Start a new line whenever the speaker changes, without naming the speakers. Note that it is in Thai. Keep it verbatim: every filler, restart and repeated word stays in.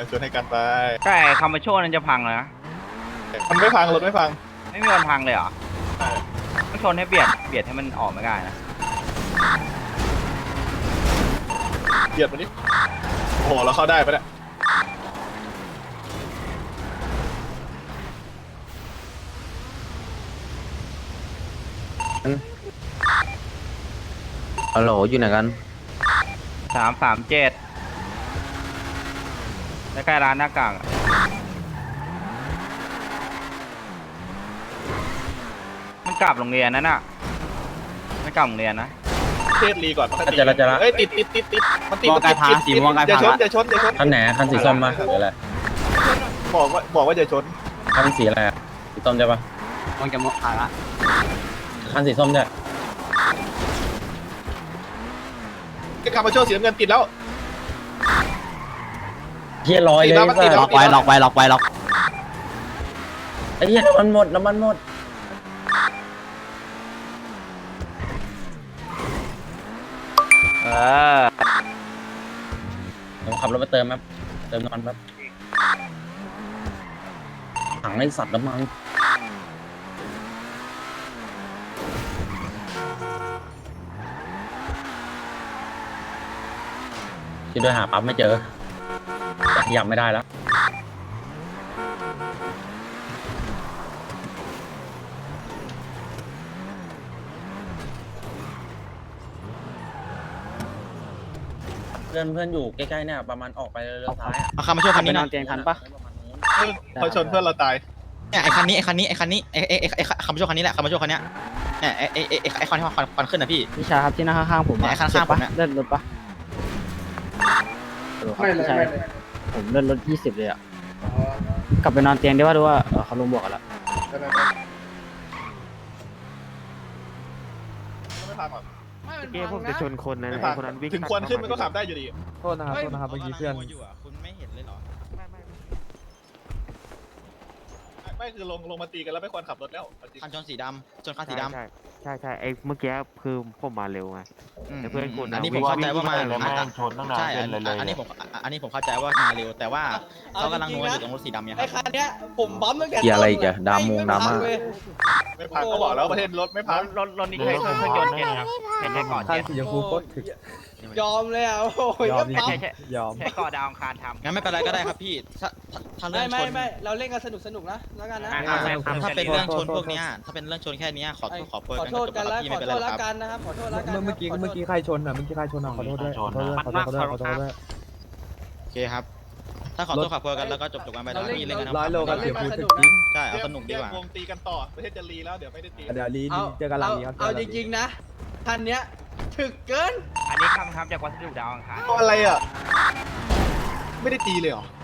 ชวนให้กันไป
ใช่คำมาโชว์นั้นจะพังเลยนะ
มันไม่พังรถไม่พัง
ไม่มีวันพังเลยเหรอ
ใช่
ต้องชนให้เบียดเบียดให้มันออกไม่ได้นะ
เบียดมาดิโอ้โหเราเข้าได้ปะเนี่ย
ฮัลโหลอยู่ไหนกัน
สามสามเจ็ดใกล้ๆร้านหน้ากากอะมันกลับโรงเรียนนั่นน่ะไม่กลับโรงเรียนนะ
เทศรีก่อนมันตี
จะละจะละ
เฮ้ยติดติดติดติดมันติด
มองไกลพาสีมองไกลพา
อย่าชนอย่าชนอย่าชน
คันไหนคันสีส้มมาหรืออะไร
บอกว่าบอกว่าอย่าชน
คันสีอะไรอะสีส้มใช่ปะ
มองจะมองผ่านละ
คันสีส้มใช่
ไอ้คาร์บอนโชว์สีน้ำเงินติดแล้ว
เฮียลอยเลย
ติดแล้ว
ล็อกไว้ล็อกไว้ล็อกไว้ล็อก
ไอ้เฮียน้ำมันหมดน้ำมันหมด
เออ
ผมขับรถไปเติมครับเติมน้ำมันครับถังไอ้สัตว์น้ำมันที่ด้วยหาปั๊บไม่เจอแต่ขยับไม่ได้แล้วเพื่อนเพื่อนอยู่ใกล้ๆเนี่ยประมาณออกไปเลี้ยวซ้ายอะ
เอาคันมาช่วยคันนี้
น
ห
อ
น่อน ย
เตียงทันปะ
พอชนเพื่อนเราตาย
เนี่ยไอ้คันนี้ไอ้คันนี้ไอ้คันนี้ไอ้ไอ้ไอ้ไอ้คันมาช่วยคันนี้แหละคันมาช่วยคันเนี้ยเนี่ยไอ้ไอ้ไอ้ไอ้ไอ้คันที่ควันควันขึ้นนะพี่
พี่ชาครับที่นั่งข้างๆผม
เนี่ยไอ้ข้างๆผมเนี่ย
เลื่อนรถปะไม่เลยไม่เลยผมเลื่อนรถยี่สิบเลยอ่ะกลับไปนอนเตียงได้ว่าดูว่าเออเขาลงบวกกันแล้ว
ไม่พังหรอก
เกมผมจะชนคนนะ
ไม่
ไอ้
พัง
คนนั้นวิ่ง
ถึงควันขึ้นมันก็ขับได้อยู่ดี
โทษนะครับโทษนะครับเมื่อกี้เพื่อน
อยู่อะคุณไม่เห็นเลยเหรอ
ไม่คือลงลงมาตีกันแล้วไม่ควรขับรถแล้วจริง
คันชนสีดำชนคันสีดำ
ใช่ใช่ใช่ไอ้เมื่อกี้คือผมมาเร็วไง
ม
แต่เพื่อนคุณนะ
อันนี้ผมเข้าใจว่ามา
วิ่งวิ่ง
อ่ะ
ชนตั้งนาน
ใช่
เป็นเลยเลย
อันนี้ผมอันนี้ผมเข้าใจว่ามาเร็วแต่ว่าเขากำลังนัวอยู่ตรงรถสีดำเนี่ยค
ไอ้
รับ
คันเนี้ยผมบั๊มตั้งแต่
เกียร์อะไรอีกอะดามมงดราม่า
ไม่พังก็บอกแล้วประเทศรถไม่พัง
รถรถนี้เคยเคยเคยยนต์เจ็ดครับเห็นได้ก่อน
คัน
เจ็ด
สีชมพูโคตรถึก
ยอมเลยอ่ะโอ้ย
ยอมจ
บั๊ม
ริงๆยอม
ใช้ก่อดาวอังคารทำ
งั้นไม่เป็นไรก็ได้ครับพี่ถ้าถ้าถ้าเรื่
ไม่
องช
ไม่
น
ไม่เราเล่นกันสนุกสนุกนะแล้วกันนะ
อ่ะ
ถ้าเป็นเรื่องชนพวกเนี้ยถ้าเป็นเรื่องชนแค่เนี้ยขอขอโทษ
ขอโทษกันแล้ว
พี่
ข
ไม่
อ
เป็น
โท
ไร
ษ
หร
แล้
อก
ว
ครับ
กันนะครับขอโทษแล้วกัน
เมื่อกี้เมื่อกี้ใครชนอ่ะเมื่อกี้ใครชนอ่ะขอโทษด้วยขอโทษด้วยขอโทษด้วยขอโทษด้วย
โอเคครับ ถ้าขอโทษขอโทษกันแล้วก็จบจบกันไปแล้วพี่เล่นกัน
ร้อยโลกับ
เรา
เสี
เล่
ย
น
พู
กันสนุก
ดถึงจริ
นะ
ง
ใช่เอาสนุกดีกว่า
วงตีกันต่อประเทศจะรีแล้วเดี๋ยวไม่ได้ตี
เดี๋ยวลี
เอา
เจอกันหลังนี้ครับ
เอาจริงๆนะคันเนี้ยถึกเกิน
อันนี้คำทำจากวัสดุดาวอังคาร
อะไรอ่ะไม่ได้ตีเลยเหรอ